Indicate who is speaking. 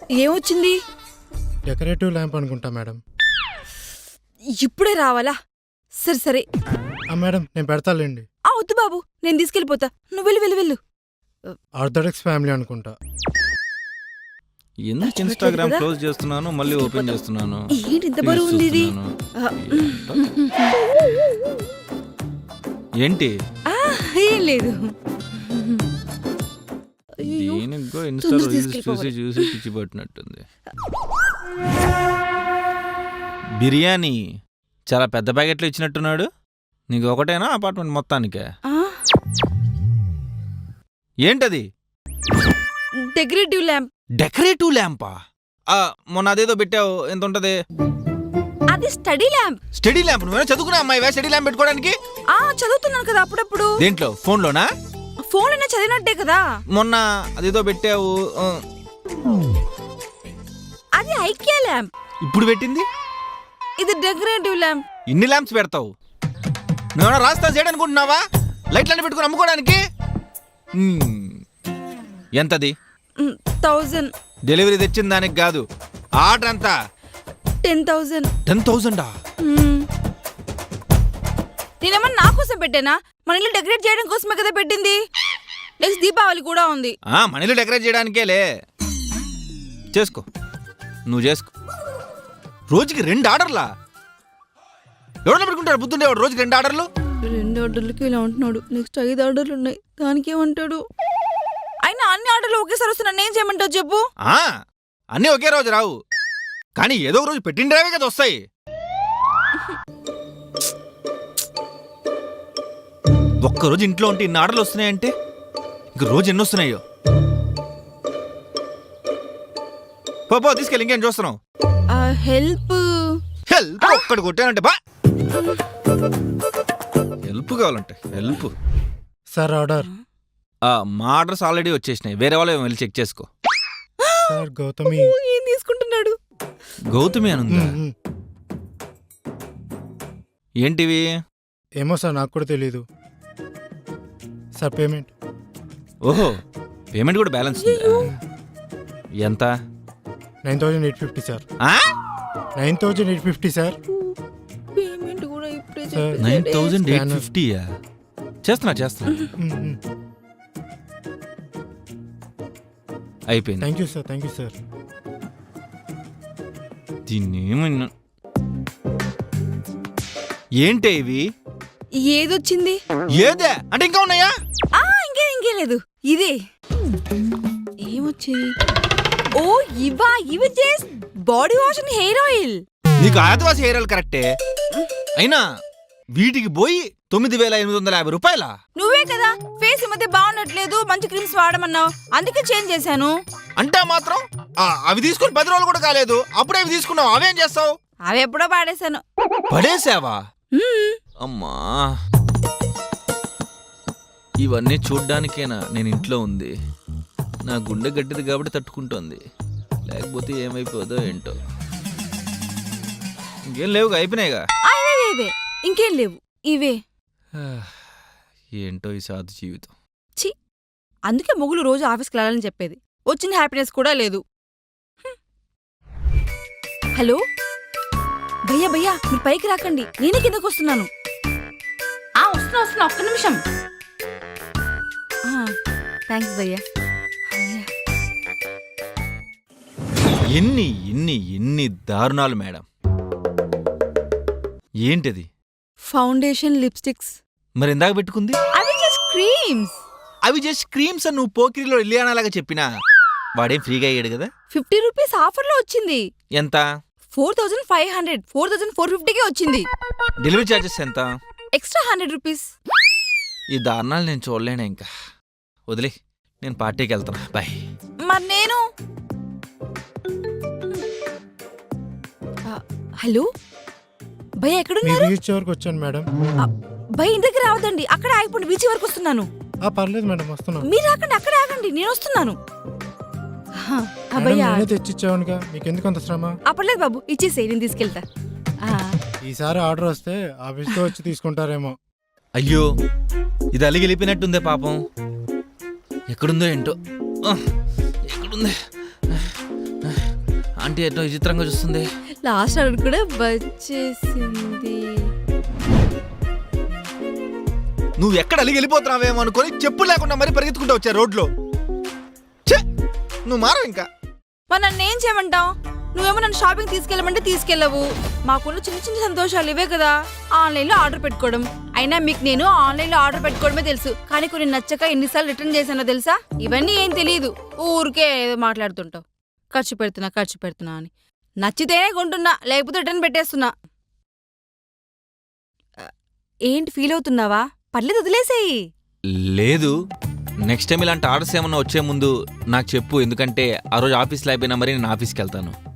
Speaker 1: ఏమొచ్చింది?
Speaker 2: Decorative lamp అనుకుంటా madam.
Speaker 1: ఇప్పుడే రావాలా? సరే సరే.
Speaker 2: మేడం నేను పెడతాలేండి.
Speaker 1: వద్దు బాబు, నేను తీసుకెళ్ళిపోతా. నువ్వు వెళ్ళు వెళ్ళు వెళ్ళు.
Speaker 2: ఆర్థోడాక్స్ ఫ్యామిలీ అనుకుంటా.
Speaker 3: ఎందుకు ఇన్స్టాగ్రామ్ క్లోజ్ చేస్తున్నాను మళ్ళీ ఓపెన్ చేస్తున్నాను?
Speaker 1: ఏంటి ఇంత బరువు ఉంది ఇది?
Speaker 3: ఏంటి?
Speaker 1: ఏం లేదు.
Speaker 3: దీనికో ఇన్స్టా రీల్స్ చూసి చూసి పిచ్చి పట్టినట్టుంది. బిర్యానీ చాలా పెద్ద ప్యాకెట్లు ఇచ్చినట్టున్నాడు. నీకు ఒకటేనా అపార్ట్మెంట్ మొత్తానికే? ఏంటది?
Speaker 1: Decorative lamp.
Speaker 3: డెకరేటివ్ ల్యాంపా? మొన్న అదేదో పెట్టావు, ఎంత ఉంటది?
Speaker 1: అది స్టడీ ల్యాంప్.
Speaker 3: Study lamp? నువ్వేనా చదువుకున్నా అమ్మాయి స్టడీ ల్యాంప్ పెట్టుకోవడానికి?
Speaker 1: చదువుతున్నాను కదా అప్పుడప్పుడు.
Speaker 3: దేంట్లో? ఫోన్లోనా?
Speaker 1: ఫోన్ అయినా చదివినట్టే కదా.
Speaker 3: మొన్న అదేదో పెట్టావు,
Speaker 1: అది ఐకియా ల్యాంప్.
Speaker 3: ఇప్పుడు పెట్టింది
Speaker 1: ఇది డెకరేటివ్ ల్యాంప్.
Speaker 3: ఇన్ని ల్యాంప్స్ పెడతావు? నువ్వేనా రాస్తా చేయడనుకుంటున్నావా? లైట్లన్నీ పెట్టుకుని అమ్ముకోవడానికి? ఎంతది?
Speaker 1: 1000.
Speaker 3: డెలివరీ తెచ్చిన దానికి కాదు, ఆర్డర్ అంతా
Speaker 1: 10,000.
Speaker 3: 10,000?
Speaker 1: నేనేమన్నా నా కోసం పెట్టానా? మన ఇల్లు డెకరేట్ చేయడం కోసమే కదా పెట్టింది. నెక్స్ట్ దీపావళి కూడా ఉంది.
Speaker 3: మన ఇల్లు డెకరేట్ చేయడానికేలే. చేసుకో, నువ్వు చేసుకో. రోజుకి 2 ఆర్డర్లా? ఎవరన్నా పెట్టుకుంటాడు బుద్ధుండేవాడు? రోజుకి 2 ఆర్డర్లు?
Speaker 1: 2 ఆర్డర్లకి ఇలా ఉంటున్నాడు. నెక్స్ట్ 5 ఆర్డర్లు ఉన్నాయి, దానికి ఏమంటాడు? అయినా అన్ని ఆర్డర్లు ఒకేసారి వస్తున్నా ఏం చేయమంటావు చెప్పు?
Speaker 3: అన్నీ ఒకే రోజు రావు, కానీ ఏదో ఒక రోజు పెట్టిండేవే కదా వస్తాయి. ఒక్కరోజు ఇంట్లో ఉంటే ఇన్ని ఆర్డర్లు వస్తున్నాయంటే ఇంక రోజు ఎన్ని వస్తున్నాయో. పో తీసుకెళ్ళి, ఇంకేం చూస్తున్నావు?
Speaker 1: హెల్ప్
Speaker 3: హెల్ప్ ఒక్కటి కొట్టానంటే బా. హెల్ప్ కావాలంటే హెల్ప్.
Speaker 2: Sir order.
Speaker 3: మా ఆర్డర్స్ ఆల్రెడీ వచ్చేసినాయి, వేరే వాళ్ళు వెళ్ళి చెక్ చేసుకో.
Speaker 2: సార్ గౌతమి.
Speaker 1: ఏం తీసుకుంటున్నాడు?
Speaker 3: గౌతమి అని ఉందా? ఏంటివి?
Speaker 2: ఏమో సార్, నాకు కూడా తెలీదు సార్. పేమెంట్.
Speaker 3: ఓహో, పేమెంట్ కూడా బ్యాలెన్స్ ఎంత?
Speaker 2: 9,850 సార్. 9,850 సార్.
Speaker 1: పేమెంట్ కూడా ఇప్పుడే
Speaker 3: 9,850. చేస్తున్నా అయిపోయింది.
Speaker 2: Thank you sir, thank you sir.
Speaker 3: దీన్ని ఏంటే ఇవి?
Speaker 1: ఏదొచ్చింది?
Speaker 3: ఏదే అంటే ఇంకా ఉన్నాయా?
Speaker 1: ఇంకేం లేదు. ఇదే ఏమొచ్చింది? ఓ ఇవి body wash and hair oil.
Speaker 3: నీకు ఆదివాసి హెయిర్ ఆయిల్ కరెక్టే, అయినా వీటికి పోయి 9,850 రూపాయలా?
Speaker 1: నువ్వే కదా ఫేస్ ఈ మధ్య బాగుండట్లేదు, మంచి క్రీమ్స్ వాడమన్నావు, అందుకే చేంజ్ చేశాను.
Speaker 3: అంటే మాత్రం అవి తీసుకుని 10 రోజులు కూడా కాలేదు, అప్పుడే అవి తీసుకున్నావు. అవేం చేస్తావు?
Speaker 1: అవి ఎప్పుడో పాడేశాను.
Speaker 3: పడేసావా? అమ్మా, ఇవన్నీ చూడ్డానికేనా నేను ఇంట్లో ఉంది? నా గుండె గట్టిది కాబట్టి తట్టుకుంటోంది, లేకపోతే ఏమైపోదో ఏంటో. ఇంకేం లేవుగా, అయిపోయినాయిగా.
Speaker 1: ఇవే ఇంకేం లేవు, ఇవే.
Speaker 3: ఏంటో ఈ సాధు జీవితం.
Speaker 1: ఛీ, అందుకే మొగులు రోజు ఆఫీస్కి వెళ్ళాలని చెప్పేది. వచ్చిన హ్యాపీనెస్ కూడా లేదు. హలో భయ్యా, మీరు పైకి రాకండి, నేనే కిందకు వస్తున్నాను. వస్తున్నా, ఒక్క నిమిషం. థ్యాంక్స్ భయ్యా.
Speaker 3: ఎన్ని దారుణాలు మేడం. ఏంటిది?
Speaker 1: Foundation, lipsticks.
Speaker 3: మరి ఇందాక పెట్టుకుంది?
Speaker 1: అవి జస్ట్ క్రీమ్స్.
Speaker 3: అవి జస్ట్ క్రీమ్స్ అని నువ్వు పోకిరిలో ఇల్లియానాలాగా చెప్పినా వాడేం ఫ్రీగా అయ్యాడు కదా.
Speaker 1: 50 రూపీస్ ఆఫర్లో వచ్చింది.
Speaker 3: ఎంత?
Speaker 1: 4,500. 4,450కే వచ్చింది.
Speaker 3: డెలివరీ ఛార్జెస్ ఎంత?
Speaker 1: Extra 100 rupees.
Speaker 3: ఈ దారుణాలు నేను చూడలేను, ఇంకా వదిలే, నేను పార్టీకి వెళ్తాను, బాయ్.
Speaker 1: మరి నేను హలో భయ్య ఎక్కడున్నారు?
Speaker 2: బీచ్ వరకు వచ్చాను మేడం.
Speaker 1: భయ్య ఇంటికి రావద్దండి, అక్కడ ఆగిపోండి, బీచ్ వరకు వస్తున్నాను.
Speaker 2: పర్లేదు మేడం, వస్తున్నాను.
Speaker 1: మీరు రాకండి, అక్కడ ఆగండి, నేను వస్తున్నాను.
Speaker 2: తెచ్చిచ్చావుగా, మీకెందుకు అంత శ్రమ?
Speaker 1: పర్లేదు బాబు, ఇచ్చేసేయి, నేను తీసుకెళ్తా.
Speaker 2: ఈసారి ఆర్డర్ వస్తే ఆఫీస్లో వచ్చి తీసుకుంటారేమో.
Speaker 3: అయ్యో, ఇది అలిగి వెళ్ళిపోయినట్టుందే పాపం. ఎక్కడుందో ఏంటో, ఎక్కడుంది? అంటే ఎటో విచిత్రంగా చూస్తుంది.
Speaker 1: లాస్ట్ ఆర్డర్ కూడా వచ్చేసింది.
Speaker 3: నువ్వు ఎక్కడ అలిగి వెళ్ళిపోతున్నావేమో అనుకొని చెప్పులు లేకుండా మరి పరిగెత్తుకుంటూ వచ్చా రోడ్లో. ఛే, నువ్వు మారవు ఇంకా.
Speaker 1: మరి నన్ను ఏం చేయమంటావు? నువ్వేమో నన్ను షాపింగ్ తీసుకెళ్ళమంటే తీసుకెళ్ళవు. మాకున్న చిన్న చిన్న సంతోషాలు ఇవే కదా, ఆన్లైన్లో ఆర్డర్ పెట్టుకోవడం. అయినా మీకు నేను ఆన్లైన్లో ఆర్డర్ పెట్టుకోవడమే తెలుసు, కానీ కొన్ని నచ్చక ఎన్నిసార్లు రిటర్న్ చేశానో తెలుసా? ఇవన్నీ ఏం తెలియదు, ఊరికే ఏదో మాట్లాడుతుంటావు. ఖర్చు పెడుతున్నా అని. నచ్చితేనే కొంటున్నా, లేకపోతే రిటర్న్ పెట్టేస్తున్నా. ఏంటి ఫీల్ అవుతున్నావా? పర్లేదు, వదిలేసేయి.
Speaker 3: లేదు, నెక్స్ట్ టైం ఇలాంటి ఆర్డర్స్ ఏమన్నా వచ్చే ముందు నాకు చెప్పు, ఎందుకంటే ఆ రోజు ఆఫీస్లో అయిపోయినా మరి నేను ఆఫీస్కి వెళ్తాను.